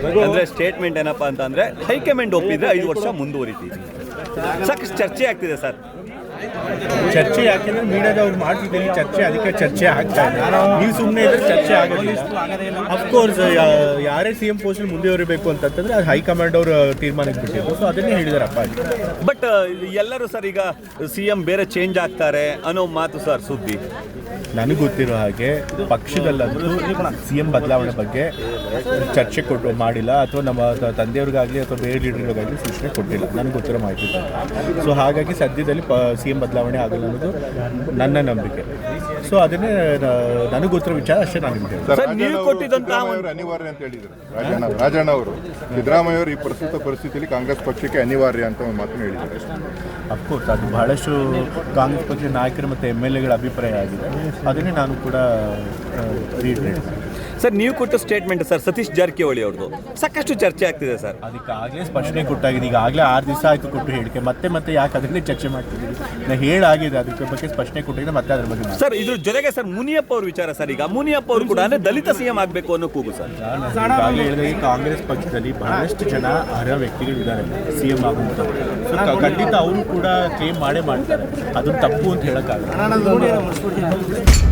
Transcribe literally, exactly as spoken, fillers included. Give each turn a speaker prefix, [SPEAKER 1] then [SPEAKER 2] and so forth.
[SPEAKER 1] ಅಂದರೆ ಸ್ಟೇಟ್ಮೆಂಟ್ ಏನಪ್ಪ ಅಂತಂದರೆ ಹೈಕಮಾಂಡ್ ಒಪ್ಪಿದರೆ ಐದು ವರ್ಷ ಮುಂದುವರಿತೀವಿ. ಸಾಕಷ್ಟು ಚರ್ಚೆ ಆಗ್ತಿದೆ ಸರ್.
[SPEAKER 2] ಚರ್ಚೆ ಯಾಕೆಂದ್ರೆ ಮೀಡಿಯಾದವ್ರು ಮಾಡ್ತಿದ್ದೀನಿ ಚರ್ಚೆ, ಅದಕ್ಕೆ ಚರ್ಚೆ ಆಗ್ತಾ ಇದೆ. ನೀವು ಸುಮ್ಮನೆ ಇದ್ರೆ ಚರ್ಚೆ ಆಗೋದಿಲ್ಲ. ಅಫ್ಕೋರ್ಸ್ ಯಾರೇ ಸಿ ಎಂ ಪೋಸ್ಟ್ ಮುಂದುವರಿಬೇಕು ಅಂತಂತಂದ್ರೆ ಅದು ಹೈಕಮಾಂಡ್ ಅವರು ತೀರ್ಮಾನಕ್ಕೆ ಬಿಟ್ಟಿದ್ದು. ಸೊ ಅದನ್ನೇ ಹೇಳಿದಾರಪ್ಪ.
[SPEAKER 1] ಬಟ್ ಎಲ್ಲರೂ ಸರ್ ಈಗ ಸಿ ಎಂ ಬೇರೆ ಚೇಂಜ್ ಆಗ್ತಾರೆ ಅನ್ನೋ ಮಾತು ಸರ್ ಸುದ್ದಿ.
[SPEAKER 2] ನನಗೆ ಗೊತ್ತಿರೋ ಹಾಗೆ ಪಕ್ಷದಲ್ಲಂತೂ ಸಿ ಎಂ ಬದಲಾವಣೆ ಬಗ್ಗೆ ಚರ್ಚೆ ಕೊಟ್ಟು ಮಾಡಿಲ್ಲ, ಅಥವಾ ನಮ್ಮ ತಂದೆಯವ್ರಿಗಾಗಲಿ ಅಥವಾ ಬೇರೆ ಲೀಡರ್ಗಳಿಗಾಗಲಿ ಸೂಚನೆ ಕೊಟ್ಟಿಲ್ಲ, ನನಗೆ ಗೊತ್ತಿರೋ ಮಾಹಿತಿ. ಸೊ ಹಾಗಾಗಿ ಸದ್ಯದಲ್ಲಿ ಪ ಸಿ ಎಂ ಬದಲಾವಣೆ ಆಗಲ್ಲ ಅನ್ನೋದು ನನ್ನ ನಂಬಿಕೆ. ಸೊ ಅದನ್ನೇ ನನಗೆ ಗೊತ್ತಿರೋ ವಿಚಾರ ಅಷ್ಟೇ. ನಾನು ನಿಮಗೆ
[SPEAKER 1] ನೀವು ಕೊಟ್ಟಿದ್ದಂತಹ
[SPEAKER 3] ಅನಿವಾರ್ಯ ಅಂತ ಹೇಳಿದರು ರಾಜಣ್ಣ ರಾಜಣ್ಣ ಅವರು. ಸಿದ್ದರಾಮಯ್ಯ ಅವರು ಈ ಪ್ರಸ್ತುತ ಪರಿಸ್ಥಿತಿಯಲ್ಲಿ ಕಾಂಗ್ರೆಸ್ ಪಕ್ಷಕ್ಕೆ ಅನಿವಾರ್ಯ ಅಂತ ಒಂದು ಮಾತನ್ನು ಹೇಳಿದ್ದಾರೆ.
[SPEAKER 2] ಅಫ್ಕೋರ್ಸ್ ಅದು ಬಹಳಷ್ಟು ಕಾಂಗ್ರೆಸ್ ಪಕ್ಷದ ನಾಯಕರು ಮತ್ತು ಎಮ್ ಎಲ್ ಎಗಳ ಅಭಿಪ್ರಾಯ ಆಗಿದೆ. ಅದನ್ನೇ ನಾನು ಕೂಡ ರೀಟ್ರೇಟ್
[SPEAKER 1] ಸರ್. ನೀವು ಕೊಟ್ಟ ಸ್ಟೇಟ್ಮೆಂಟ್ ಸರ್ ಸತೀಶ್ ಜಾರಕಿಹೊಳಿ ಅವ್ರದ್ದು ಸಾಕಷ್ಟು ಚರ್ಚೆ ಆಗ್ತಿದೆ ಸರ್.
[SPEAKER 2] ಅದಕ್ಕಾಗಲೇ ಸ್ಪಷ್ಟನೆ ಕೊಟ್ಟಾಗಿದೆ. ಈಗಾಗಲೇ ಆರು ದಿವಸ ಆಯಿತು ಕೊಟ್ಟು ಹೇಳಿಕೆ, ಮತ್ತೆ ಮತ್ತೆ ಯಾಕೆ ಅದನ್ನೇ ಚರ್ಚೆ ಮಾಡ್ತಿದ್ದೀವಿ? ನಾನು ಹೇಳಾಗಿದೆ, ಅದಕ್ಕೆ ಬಗ್ಗೆ ಸ್ಪಷ್ಟನೆ ಕೊಟ್ಟಿದ್ದೆ, ಮತ್ತೆ ಅದ್ರ ಬಗ್ಗೆ
[SPEAKER 1] ಸರ್. ಇದ್ರ ಜೊತೆಗೆ ಸರ್ ಮುನಿಯಪ್ಪ ಅವ್ರ ವಿಚಾರ ಸರ್. ಈಗ ಮುನಿಯಪ್ಪ ಅವರು ಕೂಡ ಅಂದರೆ ದಲಿತ ಸಿ ಎಂ ಆಗಬೇಕು ಅನ್ನೋ ಕೂಗು ಸರ್.
[SPEAKER 2] ಈಗಾಗಲೇ ಹೇಳಿದಾಗ ಕಾಂಗ್ರೆಸ್ ಪಕ್ಷದಲ್ಲಿ ಬಹಳಷ್ಟು ಜನ ಅರ್ಹ ವ್ಯಕ್ತಿಗಳಿದ್ದಾರೆ ಸಿ ಎಂ ಆಗುವಂಥ. ಸೊ ಖಂಡಿತ ಅವರು ಕೂಡ ಕ್ಲೇಮ್ ಮಾಡೇ ಮಾಡ್ತಾರೆ. ಅದು ತಪ್ಪು ಅಂತ ಹೇಳೋಕ್ಕಾಗಲ್ಲ.